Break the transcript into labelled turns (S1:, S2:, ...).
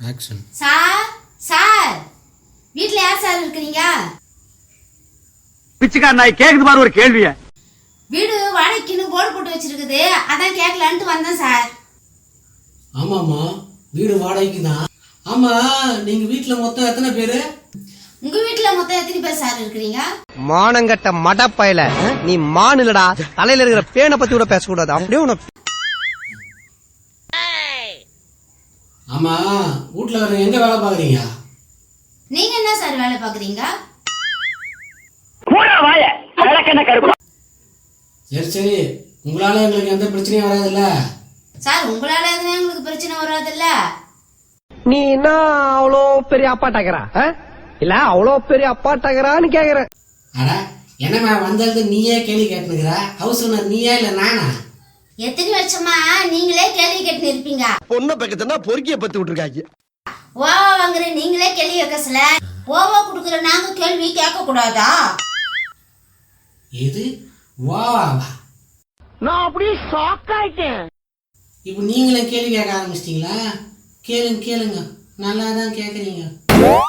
S1: Action.
S2: Sir sir வீட்ல யார் sir இருக்கீங்க?
S3: பிச்சைக்கார நாய் கேக்குது பாரு ஒரு கேள்விய.
S2: வீடு வாடகைக்குன்னு போர்டு போட்டு வச்சிருக்குது, அதான் கேட்கலான்ட்டு வந்தேன் சார்.
S1: ஆமாம்மா, வீடு வாடகைக்கு தான். ஆமா, நீங்க வீட்டுல மொத்தம் எத்தனை பேரு?
S2: உங்க வீட்டுல மொத்தம் எத்தனை பேர் சார் இருக்கிறீங்க?
S4: மானங்கட்ட மடப்பயல, நீ மான் இல்லடா, தலையில இருக்கிற பேனை பத்தி கூட பேசக்கூடாது. அப்படியே உனக்கு.
S1: ஆமா, வீட்டுல வேற எங்க வேலை பாக்குறீங்க?
S2: நீங்க என்ன சார் வேலை பாக்குறீங்க?
S1: சரி சரி, உங்களால எங்களுக்கு எந்த பிரச்சனையும் வராதுல்ல?
S2: சார் உங்களால எதுவும் எங்களுக்கு பிரச்சனை வராதுல்ல?
S4: நீ என்ன அவ்வளோ பெரிய அப்பாட்டாக்குறா இல்ல அவ்வளோ பெரிய அப்பாட்டாக்குறான்னு கேக்குற.
S1: அட என்னம்மா வந்தது நீயே கேள்வி கேட்டுனுக்குற? ஹவுஸ் ஓனர் நீயா இல்ல நானா?
S2: எத்தனை வருஷமா நீங்களே கேள்வி கேட்டு இருப்பீங்க.
S4: பொண்ணை பக்கத்துனா பொறுக்கிய பத்தி விட்டுருக்காங்க.
S2: ஓவா வாங்குற நீங்களே கேள்வி கேட்கல, ஓவா குடுக்குற நாங்க கேள்வி கேட்க கூடாதா?
S1: இது வாவா?
S4: நான் அப்படியே ஷாக் ஆயிட்டேன்.
S1: இப்போ நீங்களே கேள்வி கேட்க ஆரம்பிச்சிட்டீங்களா? கேளுங்க கேளுங்க, நல்லா தான் கேக்குறீங்க.